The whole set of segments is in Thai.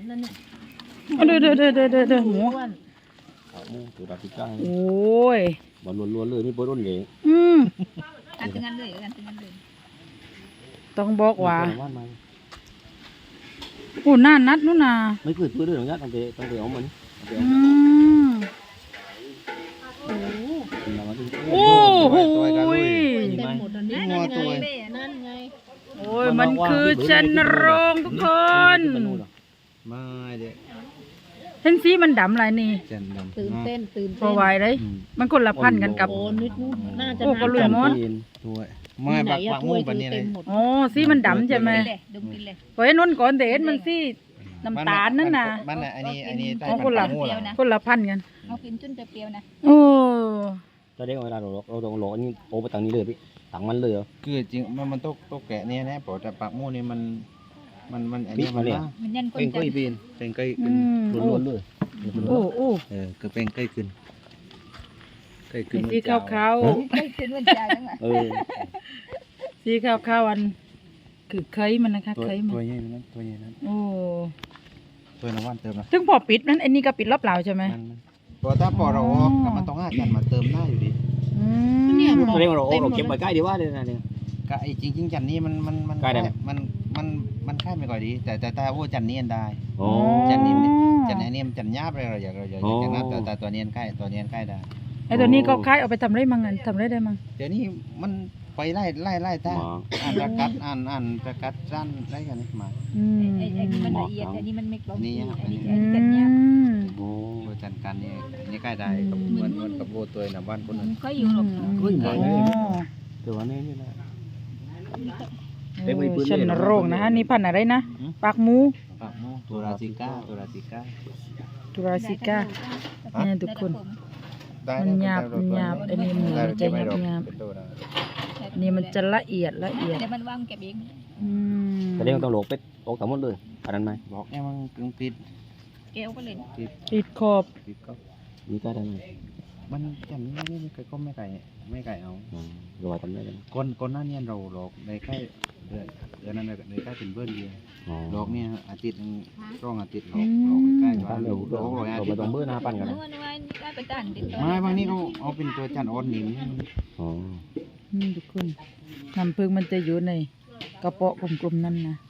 นั่นเนี่ยเด้อหมูขาหมูตัวดาบพิก้าโอ้ยบอลล้วนๆเลยนี่บอลล้วนเลยการตึงกันเลยการตึงกันเลยต้องบอกว่าว่านมาโอ้หน้านัดนู่นน่ะไม่เกิดตัวเรื่องนี้ต้องไปเอามันโอ้โหเต็มหมดตอนนี้นั่นไงนั่นไงโอ้ยมันคือจันโรงทุกคนไม่เด็กเห็นสีมันดำอะไรนี่ตื่นเต้นพอไหวเลยมันคนละพันกันกับโอ้นิดนู้นน่าจะก็ลุยมอนไม่ปักหมูแบบนี้เลยโอ้สีมันดำใช่ไหมพอเห็นนุ่นก่อนแต่เห็นมันสีน้ำตาลนั่นน่ะมันอันนี้คนละพันกันเอากินจนจะเปรี้ยวนะโอ้ตอนเด็กเวลาเราต้องรอนี่โอ้ไปทางนี้เลยพี่ทางมันเลยเหรอคือจริงมันต้องแกะเนี่ยนะเพราะแต่ปักหมูนี่มันอันนี้มันยันเป็นก้อยปีนเป็นก้อยขึ้นล้วนๆเลยโอ้คือเป็นก้อยขึ้นสีขาวไม่ขึ้นวันจันทร์นะสีขาวอันคือเคยมันนะคะเคยมันตัวใหญ่นั้นโอ้ตัวน้ำวันเติมนะซึ่งพอปิดนั้นอันนี้ก็ปิดรอบเปล่าใช่ไหมพอถ้าพอเรามันต้อง5 จานมาเติมหน้าอยู่ดีเนี่ยตอนเด็กเราเก็บไปใกล้ดีว่าเลยนะเนี่ยก็ไอ้จริงจันนี้มันใกล้ได้ไหมมันแค่ไม่ก่อยดีแต่ว่าจันนี้ได้จันนี้มันจันหยาบเลยเราอยากนับแต่ตัวนี้ใกล้ได้ไอ้ตัวนี้ก็คล้ายเอาไปทำได้มั้งทำได้มั้งเดี๋ยวนี้มันไปไล่ท่าอ่านประกัดสั้นได้กันนี่มาไอ้นี่มันละเอียดอันนี้มันไม่กลมนี่อันนี้จันเนี่ยโอ้จันกันนี่ใกล้ได้กับเหมือนกับโบตัวน้ำวันคนนั้นก็อยู่หรอกก็อยู่ไหนแต่ว่านี่นะชันโรงนะฮะนี่พันอะไรนะปากหมูตัวราซิก้าเนี่ยทุกคนมันหยาบอันนี้หมูจะหยาบนี่มันจะละเอียดแต่มันว่างเก็บเองแต่เด็กต้องโหลกเป็ดโหลกทั้งหมดเลยอันนั้นไหมบอกเนี่ยมันกึ่งปิดแก้วก็เลยปิดขอบมีใกล้ได้ไหมมันจันนี้ก็ไม่ไก่เอารอทำได้เลยก้นหน้าเนี่ยเราหลอกในใกล้เดือนนั้นในใกล้เป็นเบิ้ลเดียวหลอกเนี่ยอาทิตย์ร่องอาทิตย์หลอกใกล้ว่าเราไม่ต้องเบิ้ลหน้าปั้นกันไม่บางนี้เขาเอาเป็นตัวจันอ่อนนิ่มนี่ทุกคนน้ำผึ้งมันจะอยู่ในกระเปาะกลมๆนั่นนะ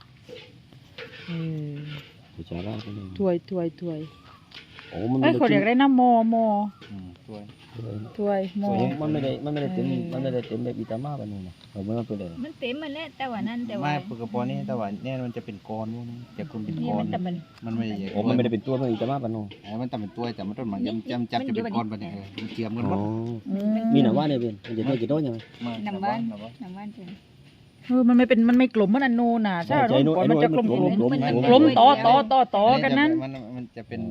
ถ้วยโอ้มันเขาเรียกได้นะโมถ้วยโมมันไม่ได้เต็มแบบอิตามาแบบนี้นะมันเป็นอะไรมันเต็มมันแหละแต่ว่านั่นแต่ว่าไม่ปกตินี่แต่ว่าเนี่ยมันจะเป็นก้อนจะคุณเป็นก้อนมันไม่โอ้มันไม่ได้เป็นตัวมันอิตามาแบบนู้นมันแต่เป็นตัวแต่มันต้นมันจำจะเป็นก้อนแบบนี้มันเจียมกันหมดมีหนังว่าเนี่ยเป็นมันจะได้กี่ต้นยังไงหนังว่านจริงมันไม่กลมมันอันโนน่ะใช่ก่อนมันจะกลมต่อกันนั้นมันจะเป็น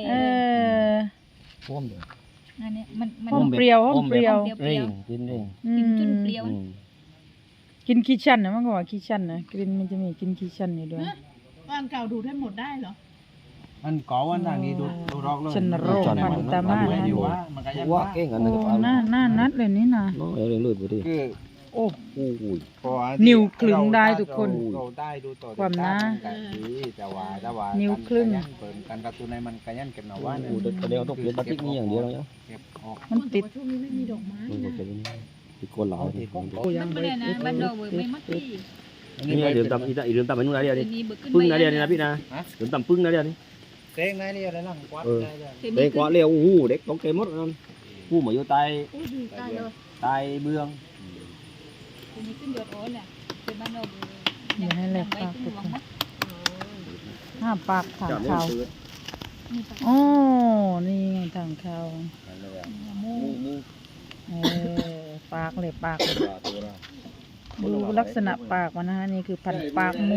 พ่วงเดียวนั่นเนี่ยมันเปรี้ยวกินเองกินจนเปรี้ยวกินขี้ชันนะมันก็ว่าขี้ชันนะกินมันจะมีกินขี้ชันอยู่ด้วยบ้านเก่าดูได้หมดได้เหรอมันก่อวันทางนี้ดูรอกเลยชันโรคพันตามาว่าเก่งกันนะหน้านัดเลยนี่นะเรื่องเลยพอดีโอ้นิ้วคลึงได้ทุกคนความนะนิ้วคลึงการการ์ตูนในมันกันยันเก็บหน่อว่าเนี่ยเดี๋ยวต้องเปลี่ยนปฏิกิริยาอย่างเดียวแล้วมันติดช่วงนี้ไม่มีดอกไม้ติดก้นหล่อยังไม่ได้นะบ้านเราไม่มัดที่นี่เดือดต่ำอีเดือดต่ำเป็นนู่นอะไรดิปึ้งอะไรนี่นะพี่นะเดือดต่ำปึ้งอะไรนี่เต้งอะไรนี่อะไรนั่งกวาดเต้งกวาดเร็วหูเด็กต้องเกมหมดนั่นผู้หมายอยู่ใต้เบื้องนี่ขึ้นยอดโอนเนี่ยเป็นบ้านเราอย่าให้แหลกปากห้าปากถังเขาโอ้นี่ไงถังเขาปากเลยปากดูลักษณะปากมันนะฮะนี่คือพันปากหมู